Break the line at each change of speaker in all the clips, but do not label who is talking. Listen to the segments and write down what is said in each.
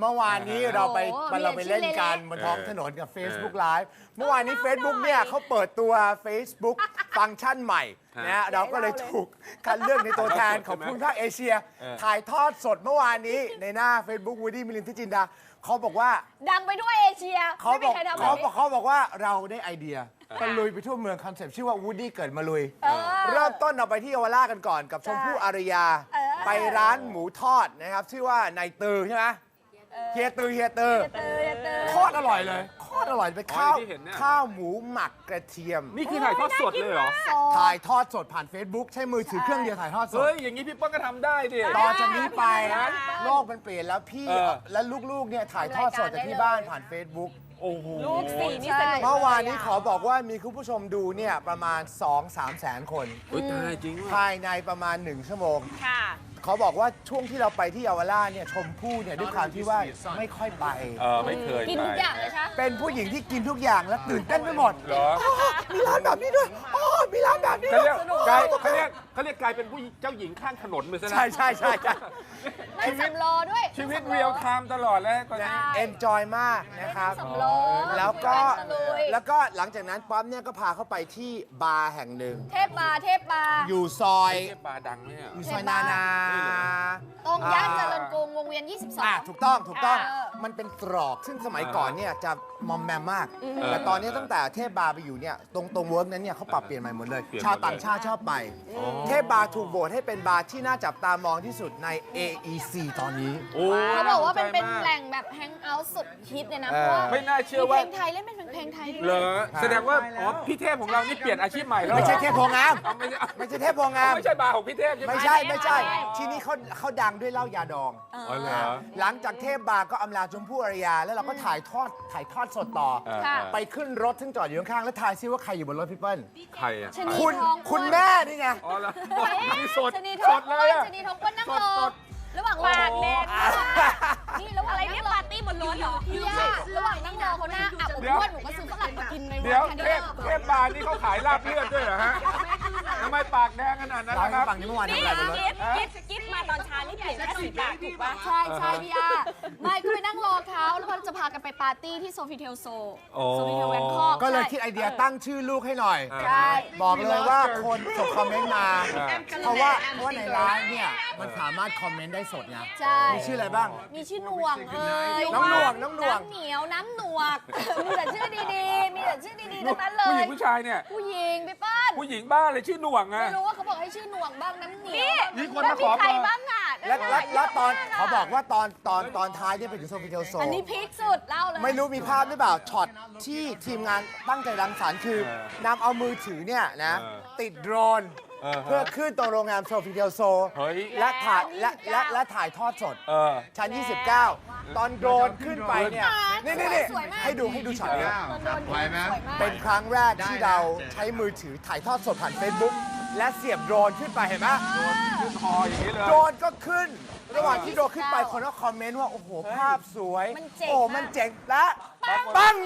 เมื่อวานนี้เราไปเล่นกันบนท้องถนนกับ Facebook Live เมื่อวานนี้ Facebook เนี่ยเขาเปิดตัว Facebook ฟังก์ชันใหม่นะเราก็เลยถูกคัดเลือกในตัวแทนของภูมิภาคเอเชีย ถ่ายทอดสดเมื่อวานนี้ในหน้า Facebook วูดดี้มิลินทจินดาเขาบอกว่า
ดังไปด้วยเอเชีย
เขาบอกว่าเราได้ไอเดียตะลุยไปทั่วเมืองคอนเซปต์ชื่อว่าวูดดี้เกิดมาลุยเริ่มต้นเราไปที่เยาวราชกันก่อนกับชมพู่อารยาไปร้านหมูทอดนะครับชื่อว่านายตือใช่ไหมเฮียตือโคตรอร่อยเลยโคตรอร่อยเป็นข้าวหมูหมักกระเทียม
นี่คือถ่ายทอดสดเลยเหรอ
ถ่ายทอดสดผ่าน Facebook ใช้มือถือเครื่องเดียวถ่ายทอดสด
เฮ้ยอย่างนี้พี่ป้องก็ทำได้ดิ
ต่อจากนี้ไปโลกมันเปลี่ยนแล้วพี่และลูกๆเนี่ยถ่ายทอดสดจากที่บ้านผ่าน Facebook
โอ้โห
ลูกสี่นี่สนุก
เมื่อวานนี้ขอบอกว่ามีคุณผู้ชมดูเนี่ยประมาณ 2-3 แสนคน
ตายจริง
ภายในประมาณ1ชั่วโมง
ค่ะ
เขาบอกว่าช่วงที่เราไปที่เยาวราชเนี่ยชมพู่เนี่ยด้วยความที่ว่าไม่ค่อยไป
ไม่เคย
กินทุกอย่างเลยใช่
เป็นผู้หญิงที่กินทุกอย่างและตื่นเต้นไปหมดมีร้านแบบนี้ด้วยมีร้านแบบนี้ด้วย
เขาเรียกกลายเป็นผู้เจ้าหญิงข้างถนนไปซะแล้ว
ใช่
นั่งสำล้อด้วย
ชีวิตเรียลไทม์ตลอดแล้วตอนนี้
เอนจอยมากนะครับแล้วก็หลังจากนั้นป๊อปเนี่ยก็พาเข้าไปที่บาร์แห่งหนึ่ง
เทพบาร์
อยู่ซอย
เทพบาร์ดังไหม
อยู่ซอยนา
ตรงย่านเจริญกรุงวงเวียน22
ถูกต้องมันเป็นตรอกซึ่งสมัยก่อนเนี่ยจะมอมแมมมากแต่ตอนนี้ตั้งแต่เทพบาร์ไปอยู่เนี่ยตรงเวิร์กนั้นเนี่ยเขาปรับเปลี่ยนใหม่หมดเลยชาวต่างชาติชอบไปเทพบาร์ถูกโหวตให้เป็นบาร์ที่น่าจับตามองที่สุดใน AEC ตอนนี้
เขาบอกว่าเป็นแหล่งแบบแฮงเอาท์สุดฮิตเลยนะเพราะว่า
ไม่น่าเชื่อว่า
เพลงไทยเล่นเป็นเพลงไทย
เหรอแสดงว่าพี่เทพของเรานี่เปลี่ยนอาชีพใหม่แล้ว
ไม่ใช่เทพโพงามไม่ใช่เทพโพงาม
ไม่ใช่บาร์ของพี่เทพ
ไม่ใช่ที่นี่เขาดังด้วยเหล้ายาดองหลังจากเทพบาร์ก็อำลาชมพู่อารยาแล้วเราก็ถ่ายทอดสดต่อไปขึ้นรถซึ่งจอดอยู่ข้างๆแล้วทายซิว่าใครอยู่บนรถพี่เปิ้ล
ใครอ่ะ
คุณแม่นี่ไง
นี่สด
เลยอ่ะชนีทองเปิ้ลนั่งรอระหว่างปากแดงนี่ระหว่างอะไรเนี่ยปาร์ตี้บนรถเหรอพี่ระหว่างนั่งรอเขาหน้าอับอบอ้วนหนูก็ซื้อฝรั่งมากินในวัน
เทพบาร์นี่เขาขายลาบเลือดด้วยเหรอฮะทำไมปากแดงขนาดนั้นครับ
ฝั่งนี้เมื่อวานทำอะไรบนรถ
กิ๊บมาตอนเช้านี่เปลี่ยนแค่สีปากถูกป่ะใช่พี่อาไม่ก็ไปนั่งรอเขาแล้วก็จะพากันไปปาร์ตี้ที่โซฟิเทลโซแบงคอก
ก็เลยคิดไอเดียตั้งชื่อลูกให้หน่อยบอกเลยว่าคนส่งคอมเมนต์มาเพราะว่าในไลน์เนี่ยมันสามารถคอมเมนต์ได้สดไงมีชื่ออะไรบ้าง
มีชื่อหน่วง
น้องหน่วง
น้ำเหนียวน้ำหนวกมีแต่ชื่อดีๆทั้งนั้นเลย
ผู้หญิงผู้ชายเนี่ย
ผู้หญิงพี่ป้าน
ผู้หญิงบ้าเลยชื่อหน่วงไง
ไม่รู้ว่าเขาบอกให้ชื่อหน่วงบ้างน้ำเหนียว
มีคนมาขอ
ใครบ้างอ่ะ
แล้วตอนเขาบอกว่าตอนท้ายเนี่ยไปถึงโซฟิเทลโซ
อันนี้พีคสุดเล่าเลย
ไม่รู้มีภาพหรือเปล่าช็อตที่ทีมงานตั้งใจรังสรรค์คือนำเอามือถือเนี่ยนะติดโดรนเพื่อขึ้นตรงโรงแรมโซฟิเทลโซและถ่ายทอดสดชั้น 29 ตอนโดรนขึ้นไปเนี่ยนี่ให้ดูช็อตนี้เป็นครั้งแรกที่เราใช้มือถือถ่ายทอดสดผ่าน Facebook และเสียบโดรนขึ้นไปเห็นไหม
โดรนขึ้นคออย่างนี้เลย
โดรนก็ขึ้นระหว่างที่โดรนขึ้นไปคนก็คอมเมนต์ว่าโอ้โหภาพสวยโอ้มันเจ๋งและปัง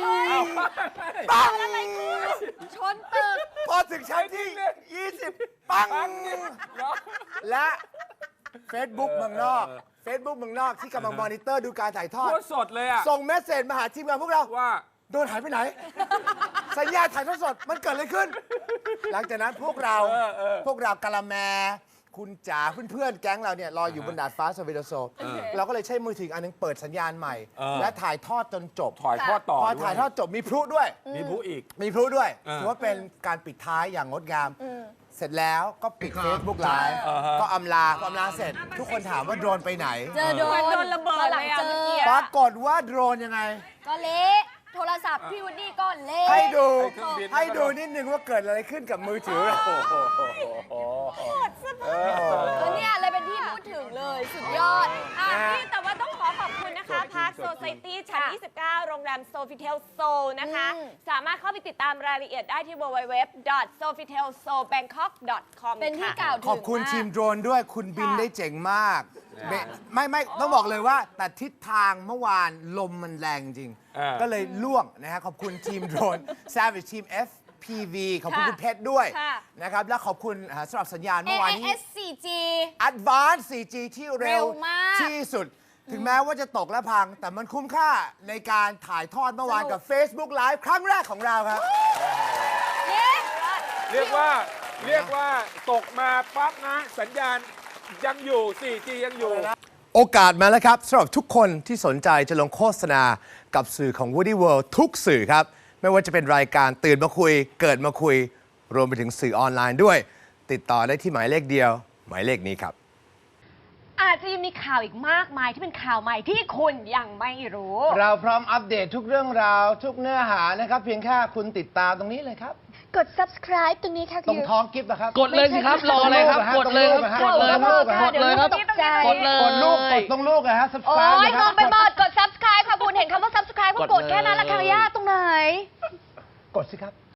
ชนตึก
พอถึงชั้นที่20ปังและ Facebook เมืองนอกที่กำลังมอนิเตอร์ดูการถ่ายทอด
สดเลยอ่ะ
ส่งเมสเซจมาหาทีมงานพวกเรา
ว่า
โดนหายไปไหนสัญญาณถ่ายทอดสดมันเกิดอะไรขึ้นหลังจากนั้นพวกเรากะละแมคุณจ๋าเพื่อนๆแก๊งเราเนี่ยรออยู่บนดาดฟ้าโซฟิเทลโซเราก็เลยใช้มือถืออันนึงเปิดสัญญาณใหม่และถ่ายทอดจนจบ
ถ่ายทอดต่อ
พอถ่ายทอดจบมีพลุด้วย
มีพลุอีก
ถือว่าเป็นการปิดท้ายอย่างงดงามเสร็จแล้วก็ปิด Facebook Live ก็อำลาเสร็จทุกคนถามว่าโดรนไปไหน
เจอโดนระเบิดเลยอ่ะ
ปรากฏว่าโดรนยังไง
ก็เละโทรศัพท์พี่วูดดี้ก็เละ
ให้ดูนิดนึงว่าเกิดอะไรขึ้นกับมือถือ
เนี่ยเลยเป็นที่พูดถึงเลยสุดยอด
นี่แต่ว่าต้องขอบคุณนะคะพาร์คโซไซตี้ชั้น 29 โรงแรมโซฟิเทลโซนะคะ สามารถเข้าไปติดตามรายละเอียดได้ที่ www.sofitelsobangkok.com
เป็นที่กล่าวถึง
ขอบคุณทีมโดรนด้วยคุณบินได้เจ๋งมากไม่ต้องบอกเลยว่าแต่ทิศทางเมื่อวานลมมันแรงจริงก็เลยล่วงนะฮะขอบคุณทีมโดรน Savage Team FPV ขอบคุณคุณเพชรด้วยนะครับและขอบคุณสำหรับสัญญาณเมื่อวานนี้
AIS 4G
Advanced 4G ที่เร็วที่สุดถึงแม้ว่าจะตกและพัง แต่มันคุ้มค่าในการถ่ายทอดเมื่อวานกับ Facebook Live ครั้งแรกของเราครับ
เรียกว่าตกมาปั๊บนะ สัญญาณยังอยู่ 4G ยังอยู่
โอกาสมาแล้วครับสำหรับทุกคนที่สนใจจะลงโฆษณากับสื่อของ Woody World ทุกสื่อครับ ไม่ว่าจะเป็นรายการตื่นมาคุย เกิดมาคุย รวมไปถึงสื่อออนไลน์ด้วย ติดต่อได้ที่หมายเลขเดียว หมายเลขนี้ครับ
อาจจะยังมีข่าวอีกมากมายที่เป็นข่าวใหม่ที่คุณยังไม่รู้
เราพร้อมอัปเดตทุกเรื่องราวทุกเนื้อหานะครับ เพียงแค่คุณติดตามตรงนี้เลยครับ
กด subscribe ตรงนี้ค่ะ
ตรงท้องกิฟต์นะครับ
กดเลยสิครับ รออะไรครับ กดเลยครับ กดเลยครับ กดเลยครับ กดเลย
กดลูก กดตรงลูกนะฮะ
โอ้
subscribe
ย
นะค
ม
รั
องไปหมดกด subscribe ค่ะคุณเห็นคำว่า subscribe ก็กดแค่นั้นละค่ะยากตรงไหน
กดสิครับ